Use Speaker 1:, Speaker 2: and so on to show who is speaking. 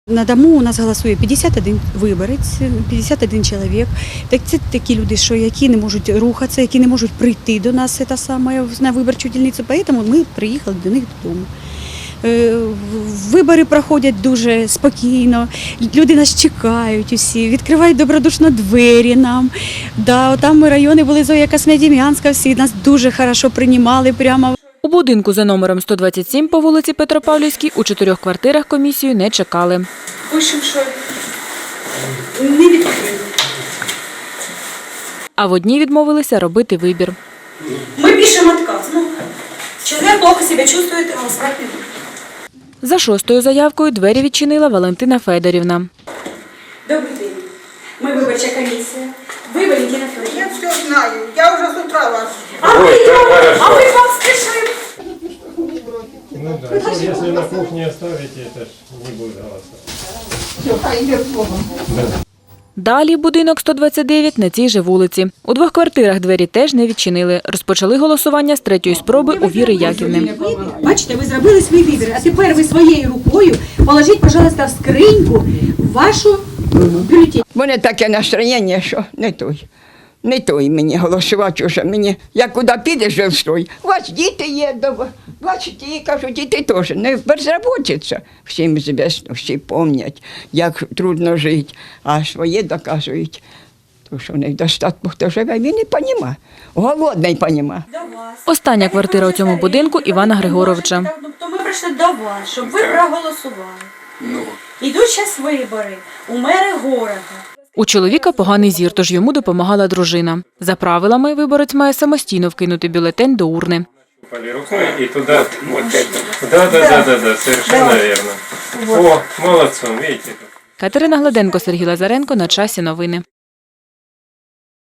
Speaker 1: На дому у нас голосує 51 виборець, 51 чоловік. Це такі люди, які не можуть рухатися, які не можуть прийти до нас на виборчу дільницю, тому ми приїхали до них додому. Вибори проходять дуже спокійно, люди нас чекають усі, відкривають добродушно двері нам. Там райони були Зоя Космодем'янська, всі нас дуже добре приймали прямо.
Speaker 2: У будинку за номером 127 по вулиці Петропавлівській у 4 квартирах комісію не чекали.
Speaker 1: Пишемо, що не відкрили.
Speaker 2: А в одній відмовилися робити вибір.
Speaker 1: Ми пишемо відказ. Чоловік плохо себе чувствує, голосувати не буде.
Speaker 2: За 6-ю заявкою двері відчинила Валентина Федорівна.
Speaker 1: Добрий день. Ми виборча комісія. Ви, Валентина Федорівна.
Speaker 3: Я все знаю, я уже с утра вас.
Speaker 1: А ми вам спішимо.
Speaker 4: Ну да, если на кухне оставите, это ж не будет голосовать.
Speaker 3: Все, хай йде Богом.
Speaker 2: Далі будинок 129 на цій же вулиці. У 2 квартирах двері теж не відчинили. Розпочали голосування з 3-ї спроби у Віри Яківни.
Speaker 1: Бачите, ви зробили свій вибір, а тепер ви своєю рукою положіть, пожалуйста, в скриньку вашу бюлетень.
Speaker 3: У мене таке настроєння, що не той мені голосувати вже. Мені, як куди підеш, жилстрой. У вас діти є, бачите, і кажуть, діти теж не безробітця. Всім звісно, всі пам'ятають, як трудно жити, а своє доказують. Тому що недостатку, хто живе, він не розуміє. Голодний розуміє.
Speaker 2: Остання квартира у цьому будинку Івана Григоровича.
Speaker 5: То ми прийшли до вас, щоб ви проголосували. Ідуть зараз вибори у мери города.
Speaker 2: У чоловіка поганий зір, тож йому допомагала дружина. За правилами, виборець має самостійно вкинути бюлетень до урни.
Speaker 4: Рукой и туда. Да, совершенно верно. О, молодцом, видите.
Speaker 2: Катерина Гладенко, Сергій Лазаренко. На часі новини.